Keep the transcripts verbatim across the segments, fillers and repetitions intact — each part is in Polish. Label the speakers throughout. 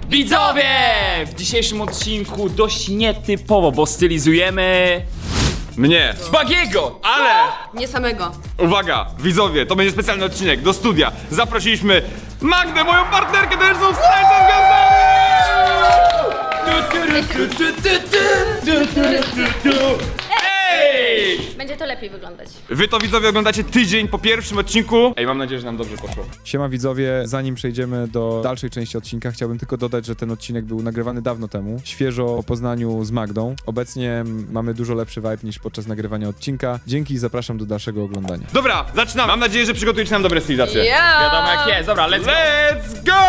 Speaker 1: Widzowie! W dzisiejszym odcinku dość nietypowo, bo stylizujemy...
Speaker 2: Mnie.
Speaker 1: Bagiego!
Speaker 2: Ale,
Speaker 3: Nie samego.
Speaker 2: uwaga, widzowie, to będzie specjalny odcinek do studia. Zaprosiliśmy Magdę, moją partnerkę, to już są Stańca z Gwiazdami! Ej!
Speaker 3: Będzie to lepiej wyglądać.
Speaker 2: Wy to, widzowie, oglądacie tydzień po pierwszym odcinku. Ej, mam nadzieję, że nam dobrze poszło.
Speaker 4: Siema widzowie, zanim przejdziemy do dalszej części odcinka, chciałbym tylko dodać, że ten odcinek był nagrywany dawno temu, świeżo o poznaniu z Magdą. Obecnie mamy dużo lepszy vibe niż podczas nagrywania odcinka. Dzięki i zapraszam do dalszego oglądania.
Speaker 2: Dobra, zaczynamy. Mam nadzieję, że przygotujecie nam dobre stylizacje.
Speaker 3: Ja!
Speaker 1: Wiadomo jak jest, dobra, let's go!
Speaker 2: Let's go!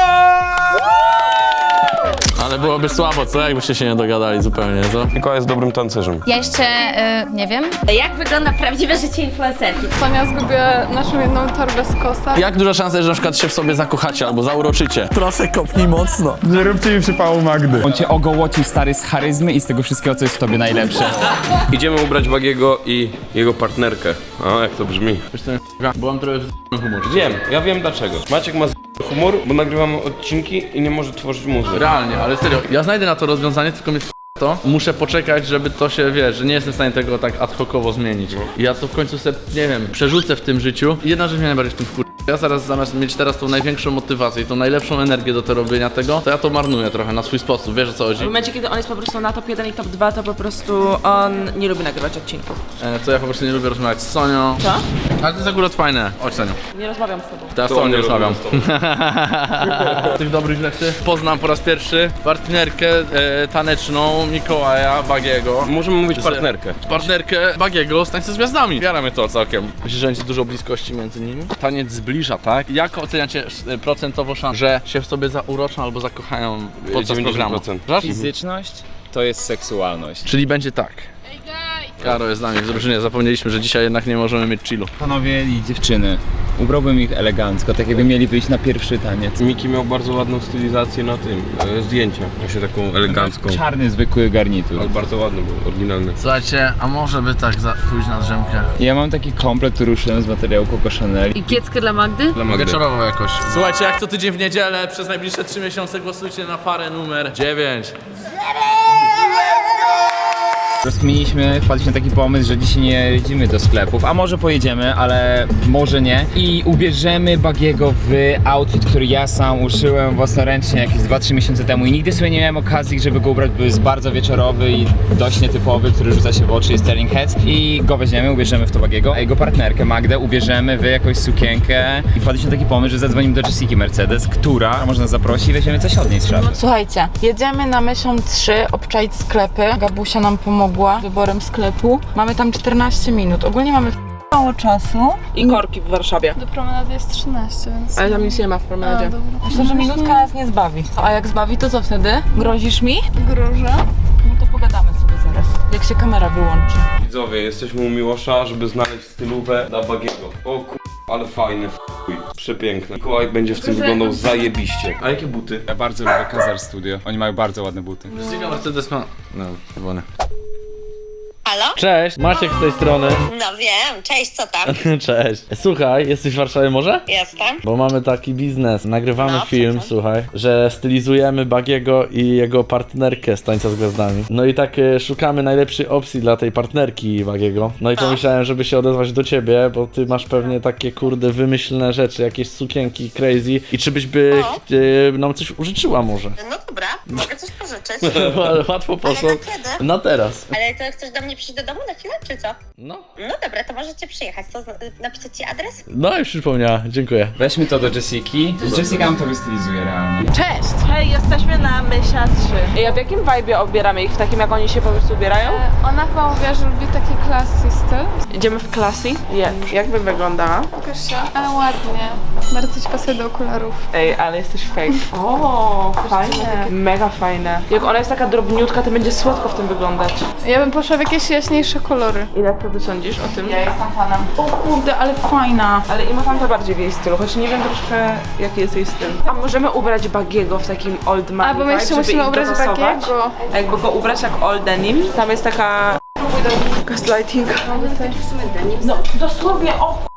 Speaker 5: Ale byłoby słabo, co? Jakbyście się nie dogadali zupełnie, co?
Speaker 6: Mikołaj jest dobrym tancerzem.
Speaker 7: Ja jeszcze, y, nie wiem.
Speaker 3: Jak wygląda prawdziwe życie influencerki?
Speaker 8: Sonia zgubiła naszą jedną torbę z kosa.
Speaker 5: Jak duża szansa, że na przykład się w sobie zakochacie albo zauroczycie? Proszę, kopnij mocno.
Speaker 4: Nie róbcie mi przypału Magdy.
Speaker 1: On cię ogołocił, stary, z charyzmy i z tego wszystkiego, co jest w tobie najlepsze.
Speaker 6: Idziemy ubrać Bagiego i jego partnerkę. A, jak to brzmi.
Speaker 5: Wiesz co, byłam trochę w humor.
Speaker 6: Wiem, ja wiem dlaczego. Maciek ma z humor, bo nagrywamy odcinki i nie może tworzyć muzyki.
Speaker 5: Realnie, ale serio, ja znajdę na to rozwiązanie, tylko mnie to. Muszę poczekać, żeby to się, wiesz, że nie jestem w stanie tego tak ad hocowo zmienić. I ja to w końcu sobie, nie wiem, przerzucę w tym życiu. I jedna rzecz mnie najbardziej w tym wkur... Ja zaraz zamiast mieć teraz tą największą motywację i tą najlepszą energię do tego robienia tego, to ja to marnuję trochę na swój sposób, wiesz o co chodzi?
Speaker 9: W momencie, kiedy on jest po prostu na top jeden i top dwa, to po prostu on nie lubi nagrywać odcinków.
Speaker 5: E, to ja po prostu nie lubię rozmawiać z Sonią.
Speaker 9: Co?
Speaker 5: Ale to jest akurat fajne. Chodź, Soniu.
Speaker 9: Nie rozmawiam z tobą.
Speaker 5: Teraz z Sonią nie rozmawiam. Tych dobrych rzeczy. Poznam po raz pierwszy partnerkę e, taneczną Mikołaja Bagiego.
Speaker 6: Możemy mówić
Speaker 5: Z-
Speaker 6: partnerkę.
Speaker 5: Partnerkę Bagiego z Tańca z Gwiazdami. Wiara mnie to całkiem. Myślisz, że będzie dużo bliskości między nimi? Taniec zbliża, tak? Jak oceniacie e, procentowo szansę, że się w sobie zauroczą albo zakochają podczas
Speaker 6: dziewięćdziesiąt
Speaker 5: programu?
Speaker 6: procent.
Speaker 5: Żart?
Speaker 1: Fizyczność to jest seksualność.
Speaker 5: Czyli będzie tak. Karo jest z nami w drużynie, zapomnieliśmy, że dzisiaj jednak nie możemy mieć chillu.
Speaker 1: Panowie i dziewczyny, ubrałbym ich elegancko, tak jakby mieli wyjść na pierwszy taniec.
Speaker 6: Miki miał bardzo ładną stylizację na tym, e, zdjęcia. Właśnie taką elegancką.
Speaker 1: Czarny, zwykły garnitur.
Speaker 6: Ale bardzo ładny był, oryginalny.
Speaker 5: Słuchajcie, a może by tak za, pójść na drzemkę?
Speaker 1: Ja mam taki komplet, który uszyłem z materiału Coco Chanel.
Speaker 3: I kieckę dla Magdy?
Speaker 6: Dla Magdy.
Speaker 5: Wieczorową jakoś. Słuchajcie, jak co tydzień w niedzielę, przez najbliższe trzy miesiące głosujcie na parę numer dziewięć.
Speaker 1: Rozkminiliśmy, wpadliśmy na taki pomysł, że dzisiaj nie jedziemy do sklepów, a może pojedziemy, ale może nie. I ubierzemy Bagiego w outfit, który ja sam uszyłem własnoręcznie jakieś dwa trzy miesiące temu i nigdy sobie nie miałem okazji, żeby go ubrać, bo jest bardzo wieczorowy i dość nietypowy, który rzuca się w oczy, jest Sterling Heads. I go weźmiemy, ubierzemy w to Bagiego, a jego partnerkę Magdę ubierzemy w jakąś sukienkę. I wpadliśmy na taki pomysł, że zadzwonimy do Jessiki Mercedes, która może nas zaprosi i weźmiemy coś od niej z szafy.
Speaker 8: Słuchajcie, jedziemy na miesiąc trzy obczaić sklepy. Gabusia nam pomogła wyborem sklepu. Mamy tam czternaście minut. Ogólnie mamy mało czasu.
Speaker 9: I korki w Warszawie.
Speaker 8: Do promenady jest trzynaście, więc...
Speaker 9: Ale tam nic nie ma w promenadzie.
Speaker 8: Myślę, że minutka nas nie zbawi. A jak zbawi, to co wtedy? Grozisz mi? Grożę. No to pogadamy sobie zaraz. Jak się kamera wyłączy.
Speaker 6: Widzowie, jesteśmy u Miłosza, żeby znaleźć stylówę dla Bagiego. O kur... ale fajny, chuj. Przepiękne. Mikołaj będzie w tym wyglądał zajebiście. A jakie buty?
Speaker 1: Ja bardzo lubię Kazar Studio, oni mają bardzo ładne buty.
Speaker 5: Jessica Mercedes ma... No, chyba nie.
Speaker 10: Halo?
Speaker 5: Cześć, Maciek z tej strony.
Speaker 10: No wiem, cześć, co tam?
Speaker 5: Cześć. Słuchaj, jesteś w Warszawie może?
Speaker 10: Jestem.
Speaker 5: Bo mamy taki biznes, nagrywamy
Speaker 10: No,
Speaker 5: film,
Speaker 10: co, co?
Speaker 5: słuchaj, że stylizujemy Bagiego i jego partnerkę z Tańca z Gwiazdami. No i tak e, szukamy najlepszej opcji dla tej partnerki Bagiego. No i pomyślałem, żeby się odezwać do ciebie, bo ty masz pewnie takie kurde wymyślne rzeczy, jakieś sukienki crazy i czy byś by
Speaker 10: No.
Speaker 5: e, nam coś użyczyła może?
Speaker 10: No dobra, mogę coś pożyczyć.
Speaker 5: Ale łatwo poszło.
Speaker 10: Ale na kiedy?
Speaker 5: Na teraz.
Speaker 10: Ale to chcesz do mnie przyjść do domu na chwilę, czy co?
Speaker 5: No.
Speaker 10: No dobra, to możecie przyjechać. To zna- napisać ci adres?
Speaker 5: No i przypomniała, dziękuję.
Speaker 1: Weźmy to do Jessiki. Jessica nam to wystylizuje realnie.
Speaker 9: Cześć! Hej, jesteśmy na Mysia trzy. I a w jakim vibe'ie obieramy ich? W takim, jak oni się po prostu ubierają?
Speaker 8: Ona chyba mówi, że lubi taki classy styl.
Speaker 9: Idziemy w classy? Jest. Jak by wyglądała?
Speaker 8: Pokaż się. Ale ładnie. Bardzo ci pasuje do okularów.
Speaker 9: Ej, ale jesteś fake. O, fajne. Mega fajne. Jak ona jest taka drobniutka, to będzie słodko w tym wyglądać.
Speaker 8: Ja bym poszła w jakieś jaśniejsze kolory.
Speaker 9: I jak ty sądzisz o tym?
Speaker 8: Ja jestem fanem. O kurde, ale fajna.
Speaker 9: Ale Ima tam to bardziej w jej stylu, choć nie wiem troszkę jaki jest jej styl. A możemy ubrać Bagiego w takim old man
Speaker 8: A, bo my jeszcze
Speaker 9: vibe, żeby
Speaker 8: musimy
Speaker 9: ich
Speaker 8: ubrać
Speaker 9: dopasować?
Speaker 8: Bagiego.
Speaker 9: A jakby go ubrać jak old denim, tam jest taka... gaslighting. No dosłownie, o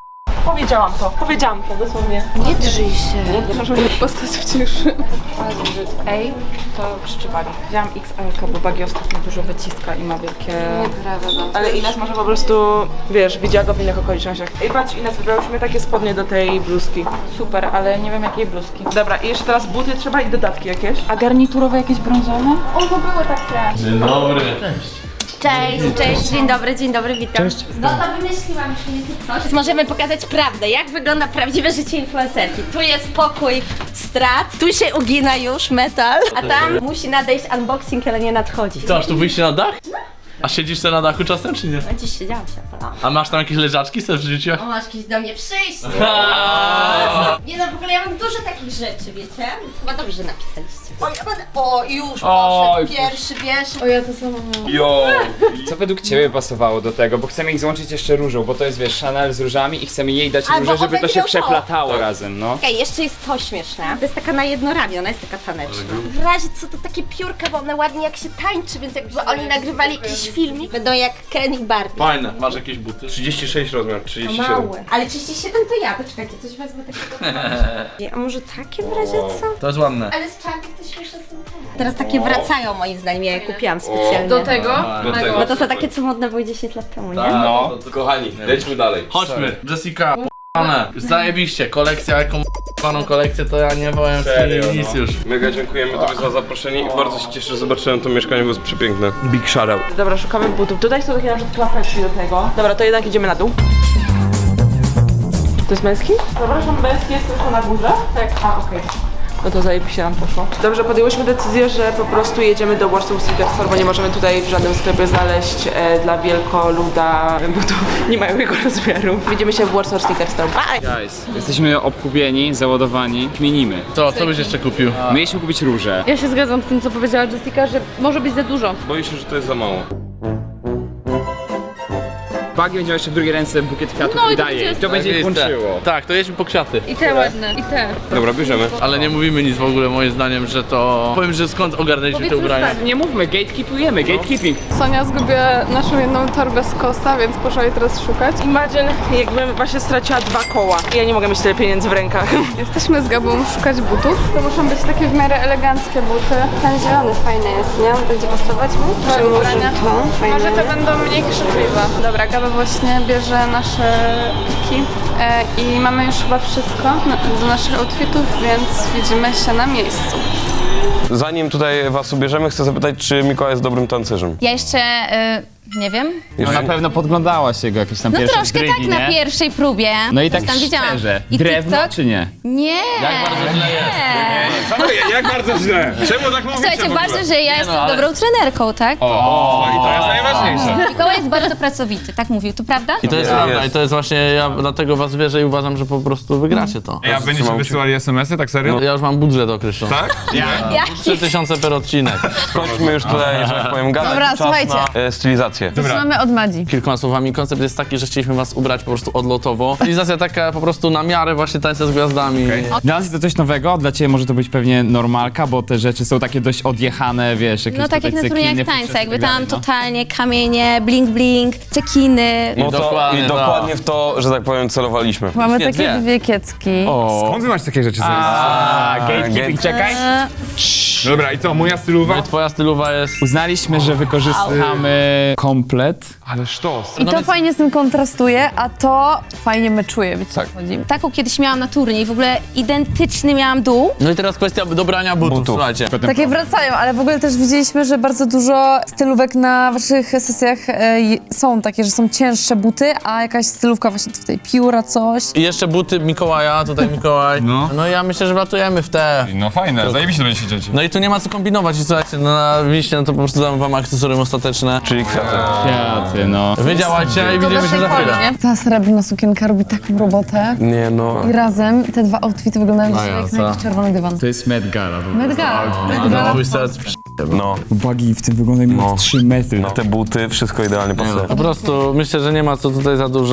Speaker 9: Powiedziałam to, powiedziałam to dosłownie.
Speaker 8: Nie drżyj się.
Speaker 9: Postać w cieszy.
Speaker 8: Ej, to krzyczy Bagi. Wziąłam X L, bo Bagi ostatnio dużo wyciska i ma wielkie...
Speaker 9: Ale Ines może po prostu, wiesz, widziała go w innych okolicznościach. Ej, patrz Ines, wybrałyśmy takie spodnie do tej bluzki.
Speaker 8: Super, ale nie wiem jakiej bluzki.
Speaker 9: Dobra, i jeszcze teraz buty trzeba i dodatki jakieś.
Speaker 8: A garniturowe jakieś brązowe?
Speaker 3: O, to były takie.
Speaker 5: Dzień dobry.
Speaker 3: Cześć, cześć, dzień dobry, dzień dobry, witam. Cześć. No to wymyśliłam już mniej więcej coś. Możemy pokazać prawdę, jak wygląda prawdziwe życie influencerki. Tu jest pokój strat, tu się ugina już metal, a tam musi nadejść unboxing, ale nie nadchodzi.
Speaker 5: Co, aż tu wyjście na dach? A siedzisz sobie na dachu czasem, czy nie?
Speaker 3: A dziś siedziałam się, no.
Speaker 5: A masz tam jakieś leżaczki sobie w życiu?
Speaker 3: O, masz kiedyś do mnie przyjść. Nie no, w ogóle ja mam dużo takich rzeczy, wiecie? Chyba dobrze, że napisaliście. O, ja będę... o już
Speaker 1: Oj,
Speaker 3: poszedł pierwszy, wiesz?
Speaker 9: O, ja to samo mam.
Speaker 6: Jo!
Speaker 1: Co według ciebie pasowało do tego? Bo chcemy ich złączyć jeszcze różą, bo to jest wiesz Chanel z różami i chcemy jej dać
Speaker 3: Albo
Speaker 1: róże, żeby to
Speaker 3: one
Speaker 1: się
Speaker 3: miał to.
Speaker 1: przeplatało razem, no.
Speaker 3: Okej, jeszcze jest to śmieszne. To jest taka na jedno ramię, ona jest taka taneczna. W razie co to takie piórka, bo one ładnie jak się tańczy, więc jakby oni nagrywali jakiś filmik, będą jak Ken i Barbie.
Speaker 5: Fajne. Masz jakieś buty?
Speaker 6: trzydzieści sześć rozmiar, trzydzieści siedem.
Speaker 3: Małe. Ale trzydzieści siedem to ja, poczekajcie, coś wezmę takiego. A może takie w razie co?
Speaker 5: To jest ładne.
Speaker 3: Ale z czarnych to śmieszne są. Teraz takie wracają moim zdaniem, ja je kupiłam specjalnie.
Speaker 9: Do tego?
Speaker 6: Do tego.
Speaker 3: Bo to są takie, co modne były dziesięć lat temu, nie?
Speaker 1: No.
Speaker 6: Kochani, lećmy dalej.
Speaker 5: Chodźmy. Jessica, p***ane. Zajebiście. Kolekcja, jaką p***aną kolekcję, to ja nie powiem
Speaker 6: Serio,
Speaker 5: nic
Speaker 6: no.
Speaker 5: już.
Speaker 6: Mega dziękujemy Tobie za zaproszenie i bardzo się cieszę, że zobaczyłem to mieszkanie, bo jest przepiękne. Big shoutout.
Speaker 9: Dobra, szukamy butów. Tutaj są takie na przykład klapeczki do tego. Dobra, to jednak idziemy na dół. To jest męski? Przepraszam, męski jest tylko na górze? Tak. A, okej. No to zajebiście nam poszło. Dobrze, podjęłyśmy decyzję, że po prostu jedziemy do Warsaw Sneaker Store, bo nie możemy tutaj w żadnym sklepie znaleźć e, dla wielkoluda butów. Nie mają jego rozmiaru. Widzimy się w Warsaw Sneaker Store. Bye!
Speaker 1: Guys, jesteśmy obkupieni, załadowani, kminimy.
Speaker 5: Co, co byś jeszcze kupił?
Speaker 1: Mieliśmy kupić róże.
Speaker 9: Ja się zgadzam z tym, co powiedziała Jessica, że może być za dużo.
Speaker 6: Boję się, że to jest za mało.
Speaker 1: Bagi będzie miał jeszcze w drugiej ręce bukiet kwiatów
Speaker 9: No i
Speaker 1: i
Speaker 9: to
Speaker 1: daje.
Speaker 9: będzie
Speaker 1: I to będzie ich
Speaker 5: Zajebiste.
Speaker 1: łączyło.
Speaker 5: Tak, to jedźmy po kwiaty.
Speaker 9: I te ładne, i te.
Speaker 6: Dobra, bierzemy.
Speaker 5: Ale nie mówimy nic w ogóle moim zdaniem, że to... Powiem, że skąd ogarnęliśmy te ubrania.
Speaker 1: Nie mówmy, gatekeepujemy, gatekeeping.
Speaker 9: Sonia zgubiła naszą jedną torbę z Kosta, więc poszła jej teraz szukać. Imagine, jakbym właśnie straciła dwa koła. I ja nie mogę mieć tyle pieniędzy w rękach. Jesteśmy z Gabą szukać butów. To muszą być takie w miarę eleganckie buty.
Speaker 3: Ten zielony fajny jest, nie? Będzie pasować mu?
Speaker 9: Czy może
Speaker 3: to?
Speaker 9: Może te będą mniej krzykliwe. Dobra, Gaba właśnie bierze nasze piki e, i mamy już chyba wszystko na, do naszych outfitów, więc widzimy się na miejscu.
Speaker 6: Zanim tutaj was ubierzemy, chcę zapytać, czy Mikołaj jest dobrym tancerzem?
Speaker 7: Ja jeszcze y, nie wiem.
Speaker 1: No na pewno podglądałaś jego jakieś tam
Speaker 7: No
Speaker 1: pierwsze
Speaker 7: troszkę
Speaker 1: drygi,
Speaker 7: tak na
Speaker 1: nie?
Speaker 7: pierwszej próbie.
Speaker 1: No i
Speaker 7: Coś
Speaker 1: tak
Speaker 7: tam widziałam.
Speaker 1: szczerze,
Speaker 7: I
Speaker 1: drewno
Speaker 7: TikTok?
Speaker 1: czy nie?
Speaker 7: Nie.
Speaker 5: Jak bardzo źle jest.
Speaker 7: Nie.
Speaker 6: Jak bardzo źle? Czemu tak mówicie?
Speaker 7: Słuchajcie, ważne, że ja jestem
Speaker 5: ale-
Speaker 7: dobrą trenerką, tak?
Speaker 6: O, i to jest najważniejsze.
Speaker 7: Mikołaj jest bardzo pracowity, tak mówił, to prawda?
Speaker 5: I to jest
Speaker 6: Ja
Speaker 5: prawda,
Speaker 6: jest.
Speaker 5: i to jest właśnie, ja dlatego was wierzę i uważam, że po prostu wygracie to.
Speaker 2: Ja będziecie wysyłali es em esy, tak serio?
Speaker 5: Ja już mam budżet określony.
Speaker 2: Tak?
Speaker 5: trzy tysiące per odcinek.
Speaker 6: Skończmy już tutaj, że tak powiem, gadać.
Speaker 7: Dobra,
Speaker 6: Czas
Speaker 7: słuchajcie.
Speaker 6: na e, stylizację.
Speaker 9: Zaczynamy od Madzi.
Speaker 5: Kilkoma słowami, koncept jest taki, że chcieliśmy was ubrać po prostu odlotowo. Stylizacja taka po prostu na miarę właśnie tańca z gwiazdami.
Speaker 1: Dla nas jest to coś nowego, dla ciebie może to być pewnie normalka, bo te rzeczy są takie dość odjechane, wiesz, jakieś
Speaker 7: No tak jak
Speaker 1: tutaj
Speaker 7: na turniejach
Speaker 1: cekiny,
Speaker 7: tańca,
Speaker 1: futrzasy
Speaker 7: jakby
Speaker 1: i tak
Speaker 7: tam
Speaker 1: dalej, no.
Speaker 7: totalnie kamienie, bling bling, cekiny.
Speaker 6: No to,
Speaker 5: dokładnie,
Speaker 6: I
Speaker 5: tak.
Speaker 6: dokładnie w to, że tak powiem, celowaliśmy.
Speaker 9: Mamy
Speaker 5: Nie,
Speaker 9: takie
Speaker 5: dwie.
Speaker 9: dwie kiecki.
Speaker 1: O,
Speaker 2: Skąd wy macie takie rzeczy sobie?
Speaker 1: a, gatekeeping, czekaj.
Speaker 7: E,
Speaker 2: Dobra, i co, moja stylowa?
Speaker 5: No i twoja stylowa jest...
Speaker 1: Uznaliśmy, że wykorzystamy komplet.
Speaker 2: Ale sztos.
Speaker 9: I to fajnie z tym kontrastuje, a to fajnie meczuje, wiecie
Speaker 6: Tak.
Speaker 9: co chodzi?
Speaker 7: Taką kiedyś miałam na turniej, w ogóle identyczny miałam dół.
Speaker 5: No i teraz kwestia dobrania butów,
Speaker 6: Butów.
Speaker 5: słuchajcie.
Speaker 9: Takie wracają, ale w ogóle też widzieliśmy, że bardzo dużo stylówek na waszych sesjach e, je- są takie, że są cięższe buty, a jakaś stylówka właśnie tutaj pióra, coś.
Speaker 5: I jeszcze buty Mikołaja, tutaj Mikołaj.
Speaker 2: No.
Speaker 5: No ja myślę, że wlatujemy w te.
Speaker 2: No fajne, zajebiście będzie się dzieci.
Speaker 5: No i tu nie ma co kombinować i słuchajcie, no na liście no to po prostu dam wam akcesorium ostateczne.
Speaker 6: Czyli kwiaty.
Speaker 1: Kwiaty, no.
Speaker 5: Wy działajcie i widzimy się za chwilę.
Speaker 9: Ta srebrna sukienka robi taką robotę.
Speaker 6: Nie no.
Speaker 9: I razem te dwa outfity wyglądają
Speaker 5: No
Speaker 9: jak
Speaker 5: jasne.
Speaker 9: na jakiś czerwony dywan.
Speaker 1: To jest Met Gala.
Speaker 9: Met Gala. Met
Speaker 5: No,
Speaker 9: Gala.
Speaker 5: twój serc przy...
Speaker 6: No.
Speaker 1: Bagi w tym wygląda
Speaker 6: No.
Speaker 1: trzy metry.
Speaker 6: No te buty, wszystko idealnie pasuje.
Speaker 5: Po prostu myślę, że nie ma co tutaj za dużo.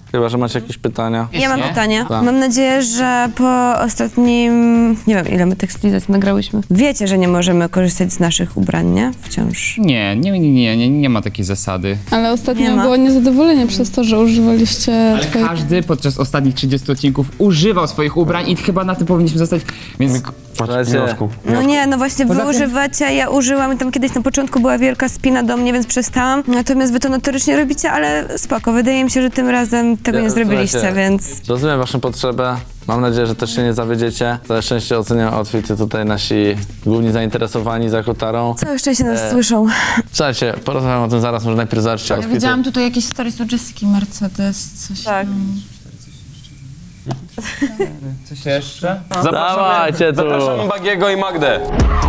Speaker 5: Chyba, że macie jakieś pytania.
Speaker 7: Ja mam
Speaker 1: Nie?
Speaker 7: pytanie.
Speaker 5: Tak.
Speaker 7: Mam nadzieję, że po ostatnim, nie wiem ile my tych stylizacji nagrałyśmy, wiecie, że nie możemy korzystać z naszych ubrań, nie? Wciąż.
Speaker 1: Nie, nie, nie, nie, nie, nie ma takiej zasady.
Speaker 11: Ale
Speaker 7: Nie
Speaker 11: ostatnio
Speaker 7: ma.
Speaker 11: było niezadowolenie przez to, że używaliście
Speaker 1: Ale
Speaker 11: twoich...
Speaker 1: każdy podczas ostatnich trzydziestu odcinków używał swoich ubrań i chyba na tym powinniśmy zostać, więc...
Speaker 5: Słuchajcie,
Speaker 7: No nie, no właśnie wy używacie, ja użyłam i tam kiedyś na początku była wielka spina do mnie, więc przestałam. Natomiast wy to notorycznie robicie, ale spoko, wydaje mi się, że tym razem tego
Speaker 5: Ja-
Speaker 7: nie zrobiliście,
Speaker 5: słuchajcie,
Speaker 7: więc...
Speaker 5: Rozumiem waszą potrzebę. Mam nadzieję, że też się nie zawiedziecie. Całe szczęście oceniają outfity tutaj nasi główni zainteresowani za kotarą.
Speaker 7: Całe szczęście nas
Speaker 5: E,
Speaker 7: słyszą.
Speaker 5: Słuchajcie, porozmawiam o tym zaraz, może najpierw zobaczcie outfity.
Speaker 8: Widziałam tutaj jakieś stories u Jessiki Mercedes, coś.
Speaker 9: Tak.
Speaker 1: Coś jeszcze?
Speaker 5: Dawajcie tu!
Speaker 6: Zapraszam Bagiego i Magdę.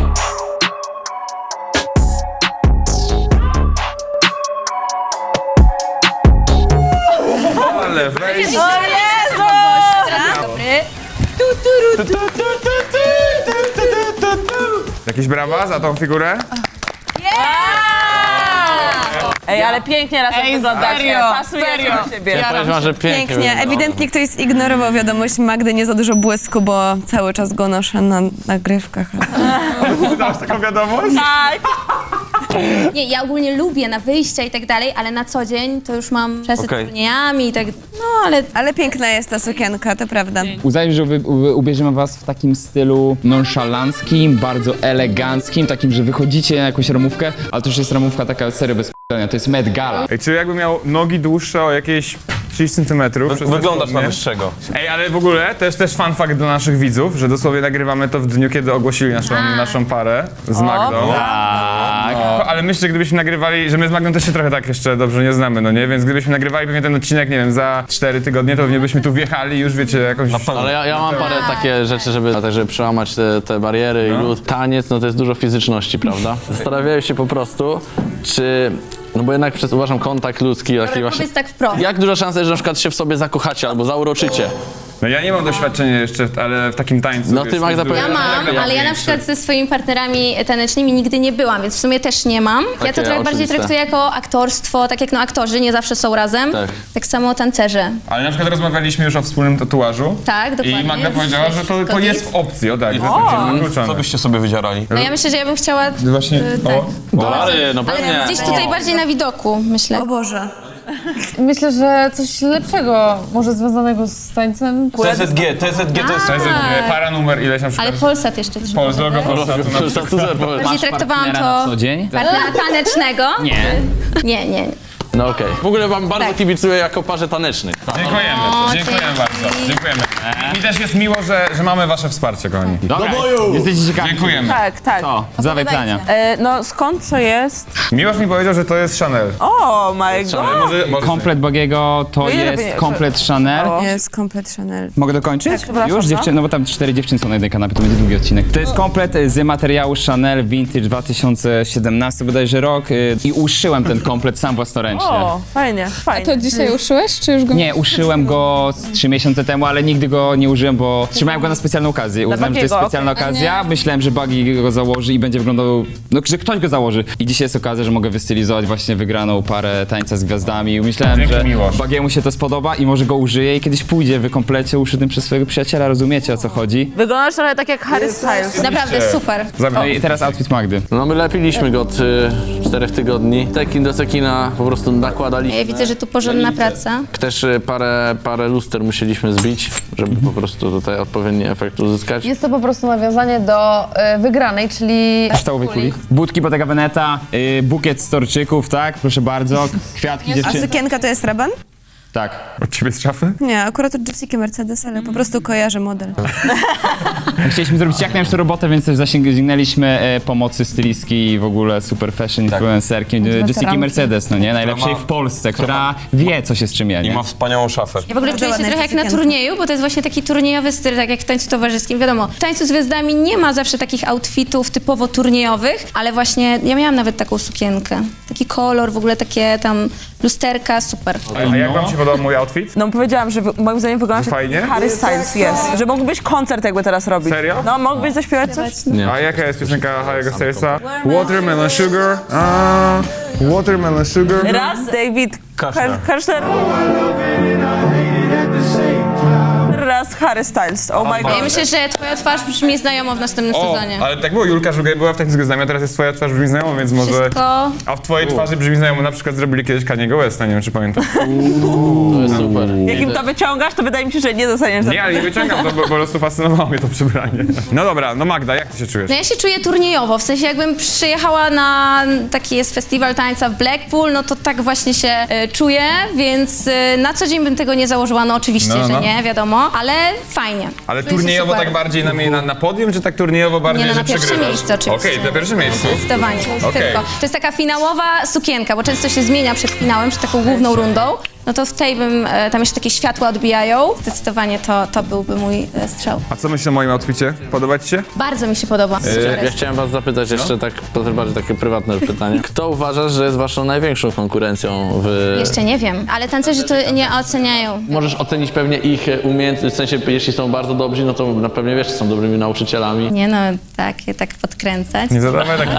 Speaker 6: Ale weź.
Speaker 2: Jakieś brawa za tą figurę?
Speaker 9: Ej, ale pięknie razem wyglądacie.
Speaker 8: serio,
Speaker 9: Pasujecie
Speaker 8: serio.
Speaker 9: do siebie.
Speaker 5: Ja powiem wam, że pięknie.
Speaker 7: Pięknie.
Speaker 5: wygląda.
Speaker 7: Ewidentnie ktoś zignorował wiadomość Magdy, nie za dużo błysku, bo cały czas go noszę na nagrywkach.
Speaker 2: Dałaś taką wiadomość?
Speaker 7: Nie, ja ogólnie lubię na wyjścia i tak dalej, ale na co dzień to już mam czasy
Speaker 6: Okej.
Speaker 7: z turniejami i tak, no ale... Ale piękna jest ta sukienka, to prawda.
Speaker 1: Uznajmy, że wy- u- ubierzemy was w takim stylu nonszalanckim, bardzo eleganckim, takim, że wychodzicie na jakąś ramówkę, ale to już jest ramówka taka serio bez p***ania, to jest Met Gala.
Speaker 2: Ej, czy jakby miał nogi dłuższe o jakieś trzydzieści centymetrów? przez te
Speaker 6: Wyglądasz na
Speaker 2: spodnie?
Speaker 6: wyższego.
Speaker 2: Ej, ale w ogóle też, też fun fact dla naszych widzów, że dosłownie nagrywamy to w dniu, kiedy ogłosili naszą, naszą parę z Magdą.
Speaker 1: Tak.
Speaker 2: No, ale myślę, że gdybyśmy nagrywali, że my z Magdą też się trochę tak jeszcze dobrze nie znamy, no nie? Więc gdybyśmy nagrywali pewnie ten odcinek, nie wiem, za cztery tygodnie, to pewnie byśmy tu wjechali i już wiecie, jakąś...
Speaker 5: Ale ja, ja mam parę takie rzeczy, żeby, tak, żeby przełamać te, te bariery i lód. Taniec, no to jest dużo fizyczności, prawda? Zastanawiałem się po prostu, czy... No bo jednak przez, uważam, kontakt ludzki, taki właśnie...
Speaker 7: Powiedz tak wprost.
Speaker 5: Jak duża szansa jest, że na przykład się w sobie zakochacie albo zauroczycie?
Speaker 2: No ja nie mam doświadczenia jeszcze, w- ale w takim tańcu.
Speaker 5: No ty,
Speaker 2: wiesz,
Speaker 5: Magda,
Speaker 2: jest
Speaker 7: Ja
Speaker 5: powiem-
Speaker 2: dużo-
Speaker 7: mam, ale ja na przykład ze swoimi partnerami tanecznymi nigdy nie byłam, więc w sumie też nie mam. Ja
Speaker 5: Takie
Speaker 7: to trochę bardziej
Speaker 5: oczywiste.
Speaker 7: traktuję jako aktorstwo, tak jak no aktorzy nie zawsze są razem.
Speaker 5: Tak.
Speaker 7: Tak samo tancerze.
Speaker 2: Ale na przykład rozmawialiśmy już o wspólnym tatuażu.
Speaker 7: Tak, dokładnie.
Speaker 2: I Magda powiedziała, że to, to
Speaker 7: Wszystko
Speaker 2: jest w opcji, o tak, że to będzie wykluczone.
Speaker 6: Co byście sobie wydzierali?
Speaker 7: No ja myślę, że ja bym chciała...
Speaker 2: Właśnie,
Speaker 7: y, tak.
Speaker 2: o,
Speaker 5: Dolary, no
Speaker 7: Ale
Speaker 5: pewnie.
Speaker 7: gdzieś tutaj bardziej na widoku, myślę. O Boże.
Speaker 11: Myślę, że coś lepszego, może związanego z tańcem.
Speaker 6: T Z G, T Z G to jest...
Speaker 2: to jest e, para numer ileś na przykład.
Speaker 7: Ale Polsat jeszcze trzeba.
Speaker 2: Polsat, logo Polsatu na przykład.
Speaker 7: Bardziej traktowałam
Speaker 1: Partnera na
Speaker 7: to
Speaker 1: co dzień?
Speaker 7: partnera tanecznego.
Speaker 1: Nie.
Speaker 7: Nie, nie.
Speaker 5: No okej. W ogóle wam bardzo
Speaker 7: Tak.
Speaker 5: kibicuję jako parze tanecznych.
Speaker 2: Dziękujemy, dziękujemy bardzo, dziękujemy. I mi też jest miło, że, że mamy wasze wsparcie, kochani.
Speaker 1: Dobra, jesteście ciekawi.
Speaker 2: Dziękujemy.
Speaker 9: Tak, tak.
Speaker 1: O, zawaj plania.
Speaker 9: E, no skąd co jest?
Speaker 2: Miłosz mi powiedział, że to jest Chanel.
Speaker 9: O, my god.
Speaker 2: Może, może
Speaker 1: Komplet Bagiego to
Speaker 9: ile
Speaker 1: jest
Speaker 9: lepiej-
Speaker 1: komplet Chanel.
Speaker 7: Jest komplet Chanel.
Speaker 1: Mogę dokończyć?
Speaker 9: przepraszam,
Speaker 1: Już?
Speaker 9: no.
Speaker 1: Dziewczyny, no bo tam cztery dziewczyny są na jednej kanapie, to będzie długi odcinek. To jest komplet z materiału Chanel Vintage dwa tysiące siedemnasty bodajże rok y, i uszyłem ten komplet sam własnoręcznie.
Speaker 9: O, fajnie, fajnie.
Speaker 11: To dzisiaj uszyłeś, czy już go...
Speaker 1: Nie, uszyłem go z trzy miesiące temu, ale nigdy go nie użyłem, bo trzymałem go na specjalną okazję. Uznałem, że to jest
Speaker 9: Bagiego,
Speaker 1: specjalna okazja. Myślałem, że Bagi go założy i będzie wyglądał, no że ktoś go założy. I dzisiaj jest okazja, że mogę wystylizować właśnie wygraną parę tańca z gwiazdami. Myślałem,
Speaker 2: Dzięki,
Speaker 1: że
Speaker 2: Miłosz.
Speaker 1: Bagiemu się to spodoba i może go użyje i kiedyś pójdzie w komplecie uszytym przez swojego przyjaciela, rozumiecie o co chodzi?
Speaker 9: Wyglądasz trochę tak jak Harry Styles.
Speaker 7: Naprawdę super.
Speaker 1: No i teraz outfit Magdy.
Speaker 5: No my lepiliśmy go od y, czterech tygodni. Tekin do sekina po prostu nakładaliśmy.
Speaker 7: Ja widzę, że tu porządna praca.
Speaker 5: Też y, parę, parę luster musieliśmy zbić, żeby po prostu tutaj odpowiedni efekt uzyskać.
Speaker 11: Jest to po prostu nawiązanie do y, wygranej, czyli...
Speaker 1: Ształowej kuli. Budki Bottega Veneta, yy, bukiet z torczyków, tak? Proszę bardzo. Kwiatki
Speaker 7: A
Speaker 1: dziewczyny.
Speaker 7: sukienka to jest raban?
Speaker 1: Tak.
Speaker 2: Od ciebie z szafy?
Speaker 7: Nie, akurat od Jessiki Mercedes, ale po prostu kojarzę model.
Speaker 1: Chcieliśmy zrobić jak najlepszą robotę, więc też zasięgnęliśmy e, pomocy stylistki i w ogóle super fashion influencerki e, Jessiki Mercedes, no nie? Najlepszej
Speaker 6: ma-
Speaker 1: w Polsce, która wie, co się z czym je,
Speaker 6: I
Speaker 1: nie?
Speaker 6: ma wspaniałą szafę.
Speaker 7: Ja w ogóle czuję się ładna trochę jest jak na sukienka. turnieju, bo to jest właśnie taki turniejowy styl, tak jak w tańcu towarzyskim. Wiadomo, w tańcu z gwiazdami nie ma zawsze takich outfitów typowo turniejowych, ale właśnie ja miałam nawet taką sukienkę. Taki kolor, w ogóle takie tam lusterka, super.
Speaker 2: A, a jak wam się podobał mój outfit?
Speaker 9: No powiedziałam, że wy- moim zdaniem wyglądasz jak
Speaker 2: Fajnie?
Speaker 9: Harry Styles, jest. Że mógłbyś koncert jakby teraz robić.
Speaker 2: Serio?
Speaker 9: No, mógłbyś zaśpiewać coś?
Speaker 2: A jaka jest piosenka Harry'ego Stylesa? Watermelon Sugar. A, Watermelon Sugar.
Speaker 9: Raz, David Kaszler. Kaszler. Raz Harry Styles. Oh my god.
Speaker 3: Ja myślę, że twoja twarz brzmi znajomo w następnym
Speaker 2: O,
Speaker 3: sezonie.
Speaker 2: ale tak było, Julka Żugaj była w technice znamia, teraz jest twoja twarz brzmi znajomo, więc może...
Speaker 3: Wszystko...
Speaker 2: A w twojej twarzy brzmi znajomo, na przykład zrobili kiedyś Kaniego Westa, nie wiem czy pamiętasz.
Speaker 5: To jest super.
Speaker 9: Jak im to wyciągasz, to wydaje mi się, że nie dostaniesz za
Speaker 2: Nie, ale nie wyciągam to, bo po prostu fascynowało mnie to przebranie. No dobra, no Magda, jak ty się czujesz?
Speaker 3: No ja się czuję turniejowo, w sensie jakbym przyjechała na taki jest festiwal tańca w Blackpool, no to tak właśnie się e, czuję, więc e, na co dzień bym tego nie założyła, no oczywiście,
Speaker 2: No, no.
Speaker 3: że nie, wiadomo, ale fajnie.
Speaker 2: Ale
Speaker 3: Czuję się
Speaker 2: turniejowo
Speaker 3: super.
Speaker 2: tak bardziej na, na, na podium, czy tak turniejowo bardziej,
Speaker 3: Nie, no,
Speaker 2: że
Speaker 3: na pierwsze
Speaker 2: przegrywasz?
Speaker 3: miejsce oczywiście.
Speaker 2: Okej, na pierwsze miejsce.
Speaker 3: Zdecydowanie,
Speaker 2: Okej.
Speaker 3: tylko. To jest taka finałowa sukienka, bo często się zmienia przed finałem, przed taką główną rundą. No to w tej bym, e, tam jeszcze takie światła odbijają. Zdecydowanie to, to byłby mój e, strzał.
Speaker 2: A co myślisz o moim outficie? Podoba ci się?
Speaker 3: Bardzo mi się podoba.
Speaker 5: Ja chciałem was zapytać jeszcze tak, to bardziej takie prywatne pytanie. Kto uważasz, że jest waszą największą konkurencją w...
Speaker 3: Jeszcze nie wiem, ale tancerzy to nie oceniają.
Speaker 5: Możesz ocenić pewnie ich umiejętności, w sensie jeśli są bardzo dobrzy, no to na pewno wiesz, że są dobrymi nauczycielami.
Speaker 3: Nie no, tak, tak podkręcać.
Speaker 2: Nie zadawaj takich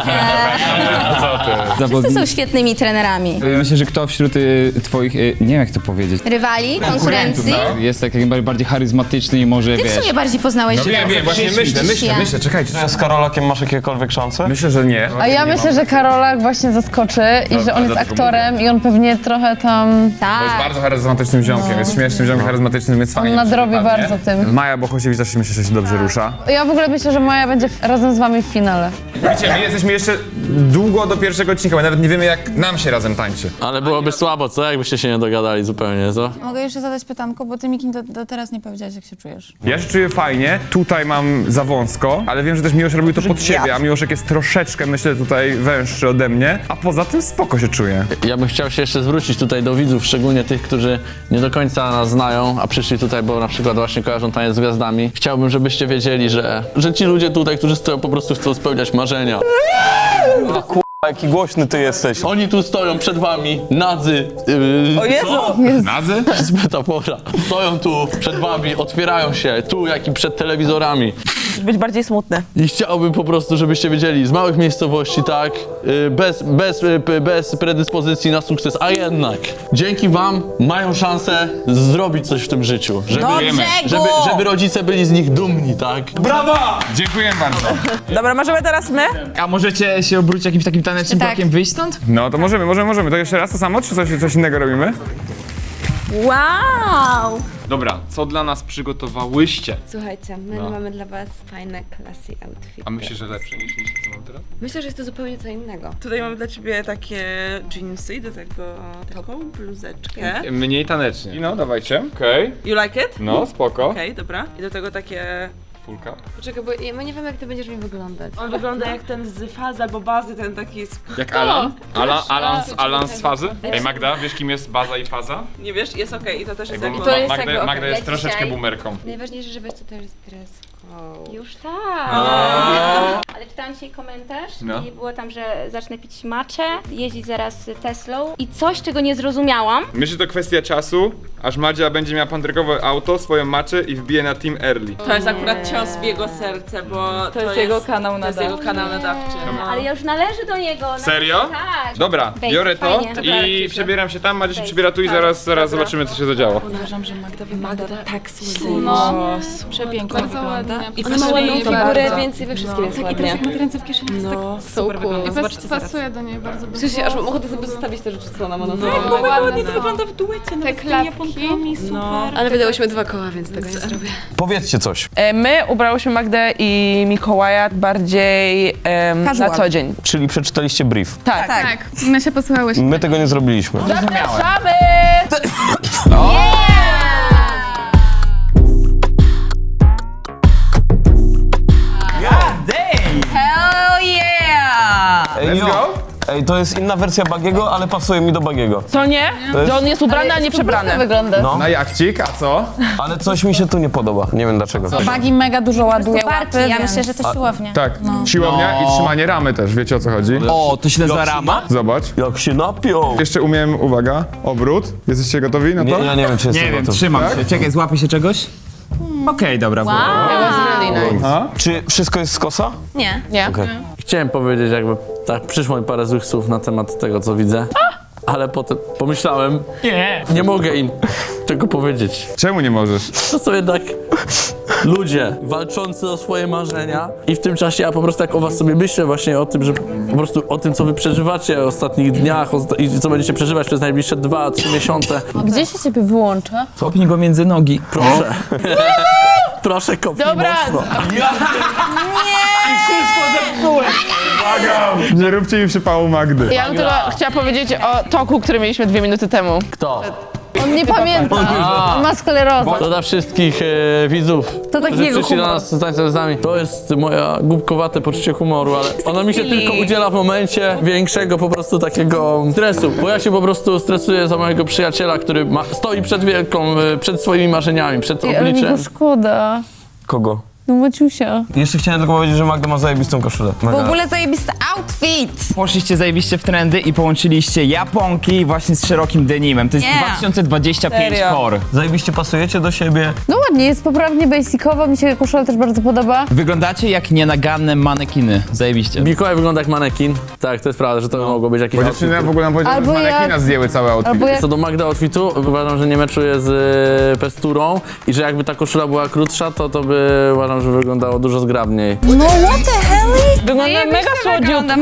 Speaker 2: Co ty?
Speaker 3: Wszyscy są świetnymi trenerami.
Speaker 1: Myślę, że kto wśród y, twoich, y, nie wiem jak to powiedzieć,
Speaker 3: Rywali, konkurencji.
Speaker 1: no, jest tak jak najbardziej bardziej charyzmatyczny i może,
Speaker 3: Ty w
Speaker 1: wiesz...
Speaker 3: sumie bardziej poznałeś
Speaker 2: No wiem, wiem, właśnie myślę, myślę,
Speaker 3: Ja.
Speaker 2: myślę, czekajcie.
Speaker 6: Z Karolakiem masz jakiekolwiek szanse?
Speaker 2: Myślę, że nie.
Speaker 11: A ja myślę, że Karolak właśnie zaskoczy i że on jest aktorem i on pewnie trochę tam...
Speaker 2: Bo
Speaker 3: Tak.
Speaker 2: jest bardzo charyzmatycznym ziomkiem, jest śmiesznym ziomkiem charyzmatycznym, więc fajnie.
Speaker 11: On nadrobi
Speaker 2: mi się wypadnie.
Speaker 11: bardzo tym.
Speaker 2: Maja Bochosiewicz też myślę, że się dobrze rusza.
Speaker 11: Ja w ogóle myślę, że Maja będzie w- razem z wami w finale.
Speaker 2: Wiecie, my jesteśmy jeszcze długo do pierwszego odcinka, bo nawet nie wiemy jak nam się razem tańczy.
Speaker 5: Ale byłoby słabo, co? Jakbyście się nie dogadali zupełnie, co?
Speaker 12: Mogę jeszcze zadać pytanko, bo ty Miki do, do teraz nie powiedziałeś, jak się czujesz.
Speaker 2: Ja się czuję fajnie, tutaj mam za wąsko, ale wiem, że też Miłosz robił to pod siebie, a Miłoszek jest troszeczkę, myślę, tutaj węższy ode mnie, a poza tym spoko się czuję.
Speaker 5: Ja bym chciał się jeszcze zwrócić tutaj do widzów, szczególnie tych, którzy nie do końca nas znają, a przyszli tutaj, bo na przykład właśnie kojarzą Taniec z Gwiazdami. Chciałbym, żebyście wiedzieli, że, że ci ludzie tutaj, którzy stoją, po prostu chcą spełniać marzenia.
Speaker 6: Jaki głośny ty jesteś.
Speaker 5: Oni tu stoją przed wami, nadzy. Yy,
Speaker 9: O Jezu!
Speaker 2: Nadzy?
Speaker 5: To jest metafora. Stoją tu przed wami, otwierają się, tu jak i przed telewizorami.
Speaker 9: Być bardziej smutny.
Speaker 5: I chciałbym po prostu, żebyście wiedzieli, z małych miejscowości, tak, yy, bez, bez, yy, bez predyspozycji na sukces, a jednak dzięki wam mają szansę zrobić coś w tym życiu. Żeby,
Speaker 9: Dobrze,
Speaker 5: żeby, żeby rodzice byli z nich dumni, tak?
Speaker 2: Brawa! Dziękuję bardzo.
Speaker 9: Dobra, możemy teraz my?
Speaker 1: A możecie się obrócić jakimś takim tanecznym
Speaker 3: Tak.
Speaker 1: krokiem, wyjść stąd?
Speaker 2: No to możemy, możemy, możemy. To jeszcze raz to samo, czy coś, coś innego robimy?
Speaker 3: Wow!
Speaker 13: Dobra, co dla nas przygotowałyście?
Speaker 14: Słuchajcie, my
Speaker 13: No.
Speaker 14: mamy dla was fajne, classy outfity.
Speaker 13: A myślisz, że lepsze niż niż co mam teraz?
Speaker 14: Myślę, że jest to zupełnie co innego.
Speaker 9: Tutaj mamy dla ciebie takie jeansy, do tego taką bluzeczkę.
Speaker 13: Mniej tanecznie.
Speaker 2: No, dawajcie. Okej.
Speaker 9: You like it?
Speaker 2: No, spoko.
Speaker 9: Okej, dobra. I do tego takie...
Speaker 2: Fulka.
Speaker 14: Poczekaj, bo my nie wiemy, jak ty będziesz mi wyglądać.
Speaker 9: On wygląda jak ten z fazy albo bazy, ten taki... z-
Speaker 13: Jak Alan? Alan, Alan, z, Alan z fazy? Ej Magda, wiesz kim jest baza i faza?
Speaker 9: Nie wiesz, jest okej i to też jest
Speaker 13: Bo
Speaker 9: jak...
Speaker 14: to jest
Speaker 13: Magda,
Speaker 14: jakby
Speaker 13: Magda jest
Speaker 14: okej.
Speaker 13: troszeczkę
Speaker 14: Dzisiaj-
Speaker 13: boomerką.
Speaker 14: Najważniejsze, żeby to też jest dress code.
Speaker 3: Już tak. Ale czytałam dzisiaj komentarz
Speaker 2: No.
Speaker 3: i było tam, że zacznę pić matchę, jeździć zaraz Teslą i coś, czego nie zrozumiałam.
Speaker 2: Myślę, że to kwestia czasu, aż Madzia będzie miała pandrykowe auto, swoją maczę i wbije na Team Early.
Speaker 9: To jest akurat cios w jego serce, bo to,
Speaker 11: jest jego kanał
Speaker 9: To jest
Speaker 11: nadawczy.
Speaker 9: jego kanał nadawczy. No.
Speaker 3: Ale ja już należy do niego. na-
Speaker 2: Serio?
Speaker 3: Tak.
Speaker 2: Dobra,
Speaker 3: Wejdź,
Speaker 2: biorę to
Speaker 3: fajnie. Dobra,
Speaker 2: i
Speaker 3: Ciuciu.
Speaker 2: przebieram się tam, Madzia się
Speaker 3: Wejdź.
Speaker 2: przebiera tu i
Speaker 3: Tak,
Speaker 2: zaraz, zaraz
Speaker 3: dobra.
Speaker 2: zobaczymy co się zadziało.
Speaker 12: Uważam, że Magda wygląda tak
Speaker 11: No.
Speaker 12: przepięknie wygląda.
Speaker 11: I
Speaker 14: Ona ma ładną figurę,
Speaker 11: bardzo.
Speaker 14: więc i we wszystkim jest ładnie.
Speaker 12: Jak ma ręce w kieszeni, to
Speaker 14: No,
Speaker 12: tak super wygląda.
Speaker 11: I
Speaker 12: Zobaczcie zaraz.
Speaker 11: pasuje do niej bardzo
Speaker 14: W sensie, aż mam ochotę sobie zostawić te rzeczy, co ona ma na sobie.
Speaker 12: No,
Speaker 11: mega ładnie
Speaker 12: to wygląda w duecie, no,
Speaker 11: Te
Speaker 12: z tymi
Speaker 11: klapki.
Speaker 12: japonkami, super.
Speaker 14: No, ale wydałyśmy dwa koła, więc tego nie zrobię.
Speaker 6: Powiedzcie coś.
Speaker 9: E, My ubrałyśmy Magdę i Mikołaja bardziej em, na co dzień.
Speaker 6: Czyli przeczytaliście brief.
Speaker 9: Tak.
Speaker 11: Tak, my się posłuchałyśmy.
Speaker 6: My tego nie zrobiliśmy.
Speaker 9: Zapraszamy! Hell yeah!
Speaker 6: Ej,
Speaker 2: Let's
Speaker 6: jo.
Speaker 2: go!
Speaker 6: Ej, to jest inna wersja Bagiego, ale pasuje mi do Bagiego.
Speaker 9: Co nie?
Speaker 6: To jest-
Speaker 9: Że on jest ubrany, a nie przebrany.
Speaker 11: Wygląda.
Speaker 6: No,
Speaker 2: Na jachcik, a co?
Speaker 6: ale coś mi się tu nie podoba. Nie wiem dlaczego.
Speaker 12: Bagi mega dużo ładuje
Speaker 3: Barki,
Speaker 12: łapy,
Speaker 3: ja
Speaker 12: więc-
Speaker 3: myślę, że to siłownia.
Speaker 2: Tak, siłownia i trzymanie ramy też, wiecie o co chodzi?
Speaker 1: O, to się nazywa rama?
Speaker 2: Zobacz.
Speaker 6: Jak się napiął.
Speaker 2: Jeszcze umiem, uwaga, obrót. Jesteście gotowi na to?
Speaker 6: Nie, ja nie wiem, czy jestem
Speaker 1: Nie wiem,
Speaker 6: gotów.
Speaker 1: trzymam
Speaker 2: Tak?
Speaker 1: się. Czekaj, złapię się czegoś? Okej, dobra.
Speaker 2: A?
Speaker 6: Czy wszystko jest z kosa?
Speaker 3: Nie.
Speaker 9: Nie.
Speaker 6: Okej.
Speaker 5: Chciałem powiedzieć jakby, tak, przyszło mi parę złych słów na temat tego, co widzę. Ale potem pomyślałem,
Speaker 1: Nie.
Speaker 5: nie mogę im tego powiedzieć.
Speaker 2: Czemu nie możesz?
Speaker 5: To są jednak ludzie walczący o swoje marzenia i w tym czasie ja po prostu jak o was sobie myślę właśnie o tym, że po prostu o tym, co wy przeżywacie w ostatnich dniach o, i co będziecie przeżywać przez najbliższe dwa, trzy miesiące.
Speaker 11: Gdzie się ciebie wyłącza?
Speaker 1: Kopnij go między nogi.
Speaker 5: Proszę. Proszę, kopnij
Speaker 9: Dobra.
Speaker 5: mocno.
Speaker 2: Nie róbcie mi przypału Magdy.
Speaker 9: Ja bym tylko chciała powiedzieć o toku, który mieliśmy dwie minuty temu.
Speaker 5: Kto?
Speaker 11: On nie pamięta. On ma sklerozę.
Speaker 5: To dla wszystkich e, widzów,
Speaker 11: To
Speaker 5: którzy
Speaker 11: takiego
Speaker 5: przyszli do
Speaker 11: humoru.
Speaker 5: nas tańczyć z nami. To jest moja głupkowate poczucie humoru, ale ono mi się tylko udziela w momencie większego po prostu takiego stresu. Bo ja się po prostu stresuję za mojego przyjaciela, który ma, stoi przed wielką, e, przed swoimi marzeniami, przed
Speaker 11: Ej, ale mi
Speaker 5: obliczem.
Speaker 11: go szkoda.
Speaker 6: Kogo?
Speaker 11: No Maciusia.
Speaker 6: Jeszcze chciałem tylko powiedzieć, że Magda ma zajebistą koszulę.
Speaker 12: W ogóle zajebisty outfit!
Speaker 1: Poszliście zajebiście w trendy i połączyliście japonki właśnie z szerokim denimem. To jest
Speaker 12: Nie.
Speaker 1: dwa tysiące dwadzieścia pięć
Speaker 9: Serio?
Speaker 1: core.
Speaker 6: Zajebiście pasujecie do siebie.
Speaker 11: No ładnie, jest poprawnie basicowa, mi się koszula też bardzo podoba.
Speaker 1: Wyglądacie jak nienaganne manekiny. Zajebiście.
Speaker 5: Mikołaj wygląda jak manekin. Tak, to jest prawda, że to mogło być jakieś
Speaker 2: Bo
Speaker 5: outfit.
Speaker 2: dziewczyny w ogóle nam powiedziały, że z
Speaker 11: Albo
Speaker 2: manekina
Speaker 11: jak-
Speaker 2: zdjęły cały outfit.
Speaker 11: Albo jak...
Speaker 5: Co do Magda outfitu, uważam, że nie meczuje z e, pesturą i że jakby ta koszula była krótsza, to to by uważam, że wyglądało dużo zgrabniej.
Speaker 12: No what the hell?
Speaker 9: Wygląda mega słodziutko.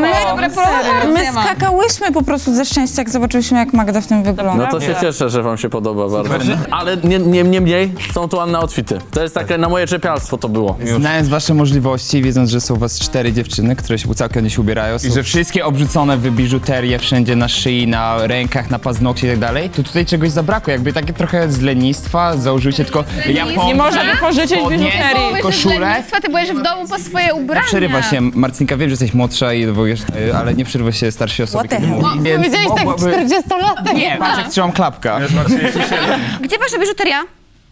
Speaker 12: My skakałyśmy po prostu ze szczęścia, jak zobaczyliśmy, jak Magda w tym wygląda.
Speaker 5: No to się cieszę, że wam się podoba bardzo. Ale nie, nie, nie mniej są to ładne outfity. To jest takie na moje czepialstwo to było.
Speaker 1: Znając wasze możliwości, wiedząc, że są u was cztery dziewczyny, które się całkiem nie się ubierają, i że wszystkie obrzucone w biżuterię wszędzie na szyi, na rękach, na paznokcie i tak dalej, to tutaj czegoś zabrakło. Jakby takie trochę z lenistwa, założyliście tylko japonki,
Speaker 9: Nie można wypożyczyć
Speaker 1: spodnie,
Speaker 9: biżuterii.
Speaker 1: koszulę.
Speaker 3: Ty byłeś w domu po swoje ubrania.
Speaker 1: Przerywa się, Marcinka, wiem, że jesteś młodsza i wiesz, y, ale nie przerywa się starszej osobie,
Speaker 12: What the
Speaker 1: kiedy
Speaker 12: hell?
Speaker 1: mówi, więc
Speaker 11: Powiedziałeś tak
Speaker 1: mogłaby-
Speaker 11: czterdziestolatek.
Speaker 1: Nie, patrz jak trzymam klapka.
Speaker 3: Gdzie wasza biżuteria?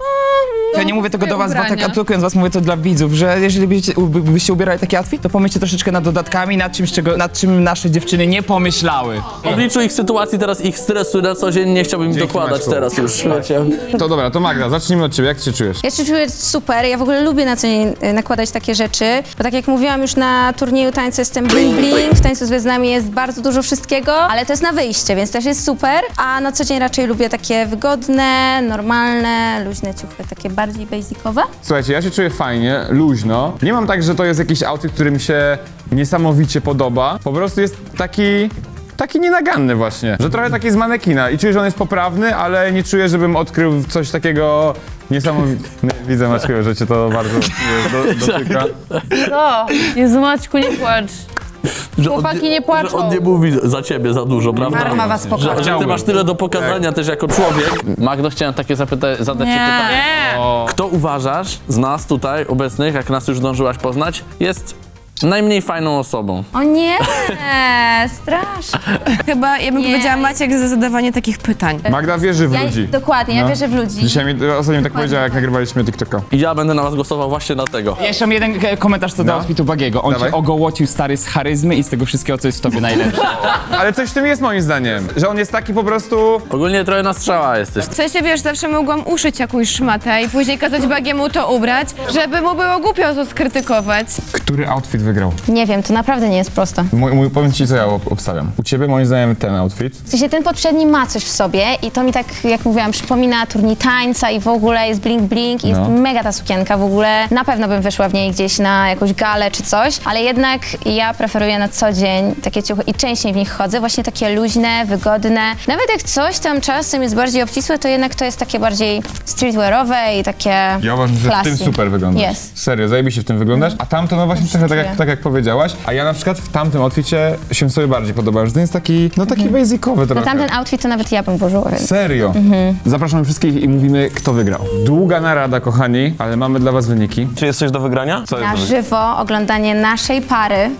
Speaker 1: Ja nie mówię tego do was,
Speaker 11: ubrania.
Speaker 1: tak atakując was, mówię to dla widzów, że jeżeli byście, by- byście ubierali taki outfit, to pomyślcie troszeczkę nad dodatkami, nad czymś, czego, nad czym nasze dziewczyny nie pomyślały.
Speaker 5: W obliczu ich sytuacji, teraz ich stresu na co dzień nie chciałbym im
Speaker 2: Dzięki,
Speaker 5: dokładać
Speaker 2: Maćku.
Speaker 5: teraz już, wiecie.
Speaker 2: To dobra, to Magda, zacznijmy od ciebie. Jak ty się czujesz?
Speaker 3: Ja się czuję super, ja w ogóle lubię na co dzień y, nakładać takie rzeczy, bo tak jak mówiłam już na turnieju tańca jestem bling bling, w tańcu z gwiazdami jest bardzo dużo wszystkiego, ale to jest na wyjście, więc też jest super, a na co dzień raczej lubię takie wygodne, normalne, luźne ciuchy, takie bardziej basicowe.
Speaker 2: Słuchajcie, ja się czuję fajnie, luźno. Nie mam tak, że to jest jakiś outfit, który mi się niesamowicie podoba. Po prostu jest taki... Taki nienaganny właśnie, że trochę taki z manekina i czuję, że on jest poprawny, ale nie czuję, żebym odkrył coś takiego niesamowitego. Widzę, Maćku, że cię to bardzo do, dotyka.
Speaker 11: Co? Jezu Maćku, nie płacz.
Speaker 5: Że
Speaker 11: Chłopaki nie płaczą.
Speaker 5: Że on nie mówi za ciebie za dużo, prawda?
Speaker 12: Karma was
Speaker 5: Że,
Speaker 12: pokocha.
Speaker 5: że ty masz tyle do pokazania też jako człowiek. Magdo, chciałem takie zapyta- zadać ci
Speaker 12: Nie.
Speaker 5: pytanie.
Speaker 9: Nie.
Speaker 5: Kto uważasz z nas tutaj obecnych, jak nas już zdążyłaś poznać, jest najmniej fajną osobą?
Speaker 3: O nie, strasznie.
Speaker 7: Chyba ja bym
Speaker 3: Nie.
Speaker 7: powiedziała Maciek za zadawanie takich pytań.
Speaker 2: Magda wierzy w
Speaker 3: Ja,
Speaker 2: ludzi.
Speaker 3: dokładnie, ja
Speaker 2: No.
Speaker 3: wierzę w ludzi.
Speaker 2: Dzisiaj mi ostatnio tak powiedziała, jak nagrywaliśmy TikToka.
Speaker 5: I ja będę na was głosował właśnie dlatego.
Speaker 1: Ja jeszcze mam jeden e, komentarz co do
Speaker 2: No.
Speaker 1: outfitu Bagiego. On
Speaker 2: Dawaj.
Speaker 1: cię ogołocił stary z charyzmy i z tego wszystkiego, co jest w tobie najlepsze.
Speaker 2: Ale coś w tym jest moim zdaniem, że on jest taki po prostu...
Speaker 5: Ogólnie trochę na strzała jesteś.
Speaker 7: W sensie, wiesz, zawsze mogłam uszyć jakąś szmatę i później kazać Bagiemu to ubrać, żeby mu było głupio to skrytykować.
Speaker 2: Który outfit wygrał?
Speaker 3: Nie wiem, to naprawdę nie jest proste.
Speaker 2: Mój, mój, powiem ci, co ja ob- obstawiam. U ciebie moim zdaniem ten outfit.
Speaker 3: W sensie ten poprzedni ma coś w sobie i to mi tak, jak mówiłam, przypomina turniej tańca i w ogóle jest bling bling i jest
Speaker 2: No.
Speaker 3: mega ta sukienka w ogóle. Na pewno bym wyszła w niej gdzieś na jakąś galę czy coś, ale jednak ja preferuję na co dzień takie ciuchy i częściej w nich chodzę, właśnie takie luźne, wygodne. Nawet jak coś tam czasem jest bardziej obcisłe, to jednak to jest takie bardziej streetwearowe i takie
Speaker 2: Ja uważam, że w
Speaker 3: classy.
Speaker 2: tym super wyglądasz.
Speaker 3: Jest.
Speaker 2: Serio, zajebiście w tym wyglądasz. A tamto, no właśnie trochę tak jak, tak jak powiedziałaś. A ja na przykład w tamtym outficie się sobie bardziej podobałem, że ten jest taki, no taki basicowy
Speaker 3: No
Speaker 2: trochę.
Speaker 3: tamten outfit to nawet ja bym włożyła, więc...
Speaker 2: Serio. Zapraszamy wszystkich i mówimy, kto wygrał. Długa narada, kochani, ale mamy dla was wyniki.
Speaker 6: Czy jest coś do wygrania? Co jest
Speaker 3: Na
Speaker 6: do wygrania?
Speaker 3: żywo oglądanie naszej pary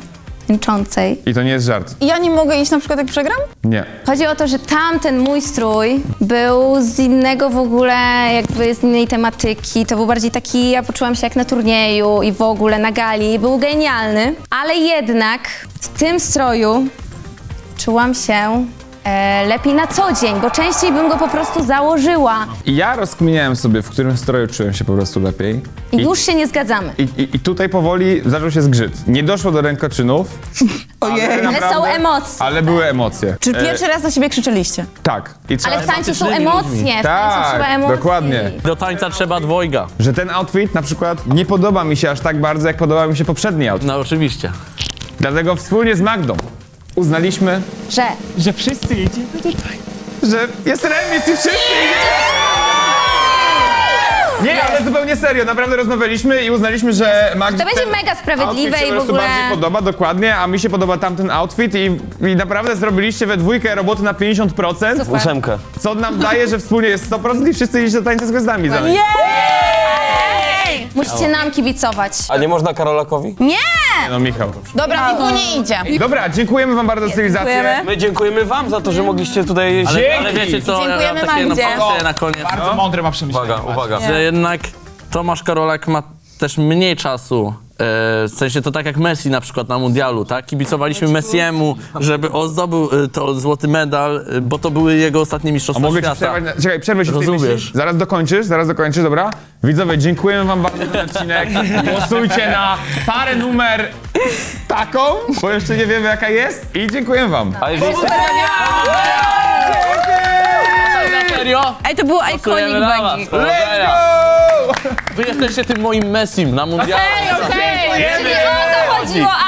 Speaker 3: tańczącej.
Speaker 2: I to nie jest żart.
Speaker 12: I ja nie mogę iść na przykład jak przegram?
Speaker 2: Nie.
Speaker 3: Chodzi o to, że tamten mój strój był z innego w ogóle, jakby z innej tematyki. To był bardziej taki, ja poczułam się jak na turnieju i w ogóle na gali. Był genialny, ale jednak w tym stroju czułam się e, lepiej na co dzień, bo częściej bym go po prostu założyła.
Speaker 2: I ja rozkminiałem sobie, w którym stroju czułem się po prostu lepiej.
Speaker 3: I już się nie zgadzamy.
Speaker 2: I, i, I tutaj powoli zaczął się zgrzyt. Nie doszło do rękoczynów.
Speaker 12: Ojej.
Speaker 3: Ale
Speaker 2: naprawdę-
Speaker 3: są emocje.
Speaker 2: Ale były emocje.
Speaker 12: Czy pierwszy raz na siebie krzyczeliście?
Speaker 2: Tak. I trzeba...
Speaker 3: Ale w tańcu są emocje, w tańcu trzeba
Speaker 2: Tak,
Speaker 3: emocji.
Speaker 2: dokładnie.
Speaker 5: Do tańca trzeba dwojga.
Speaker 2: Że ten outfit na przykład nie podoba mi się aż tak bardzo, jak podoba mi się poprzedni outfit.
Speaker 5: No oczywiście.
Speaker 2: Dlatego wspólnie z Magdą uznaliśmy,
Speaker 3: Że
Speaker 2: że wszyscy jedziemy tutaj. Że jest remis i wszyscy jedziemy. Nie, ale zupełnie serio, naprawdę rozmawialiśmy i uznaliśmy, że Magda
Speaker 3: to będzie
Speaker 2: ten
Speaker 3: mega sprawiedliwe
Speaker 2: outfit się
Speaker 3: i
Speaker 2: po
Speaker 3: w
Speaker 2: prostu
Speaker 3: ogóle...
Speaker 2: bardziej podoba, dokładnie, a mi się podoba tamten outfit i, i naprawdę zrobiliście we dwójkę roboty na pięćdziesiąt procent.
Speaker 3: Super.
Speaker 6: Ósemkę.
Speaker 2: Co nam daje, że wspólnie jest sto procent i wszyscy idziecie do tańca z gwiazdami za nami.
Speaker 3: Musicie nam kibicować.
Speaker 6: A nie można Karolakowi?
Speaker 3: Nie!
Speaker 2: No Michał.
Speaker 12: Dobra, Michu nie idzie.
Speaker 2: Dobra, dziękujemy wam bardzo za stylizację.
Speaker 12: Dziękujemy.
Speaker 6: My dziękujemy wam za to, że mogliście tutaj...
Speaker 5: Ale,
Speaker 2: Dzięki!
Speaker 5: ale wiecie co, ja mam
Speaker 12: Dziękujemy
Speaker 5: takie
Speaker 12: Magdzie.
Speaker 5: napatrzenie na koniec.
Speaker 1: Bardzo mądre ma przemyślenie.
Speaker 6: Uwaga, uwaga.
Speaker 5: Że jednak Tomasz Karolak ma też mniej czasu. E, w sensie to tak jak Messi na przykład na mundialu, tak? Kibicowaliśmy Messiemu, żeby on zdobył e, to złoty medal, e, bo to były jego ostatnie
Speaker 2: A
Speaker 5: mistrzostwa
Speaker 2: mogę ci
Speaker 5: świata.
Speaker 2: przerwać? na- Czekaj, przerwę się w tej
Speaker 5: Rozumiesz.
Speaker 2: myśli. Zaraz dokończysz, zaraz dokończysz, dobra? Widzowie, dziękujemy wam bardzo za ten odcinek. Głosujcie na parę numer taką, bo jeszcze nie wiemy jaka jest i dziękujemy wam.
Speaker 6: A jeżeli...
Speaker 5: Na serio?
Speaker 12: Ej, to był
Speaker 5: Głosujemy
Speaker 12: iconic
Speaker 5: na was.
Speaker 12: bagi.
Speaker 5: Powodzenia. Wy jesteście tym moim Messim na mundialu.
Speaker 3: Nie o to chodziło,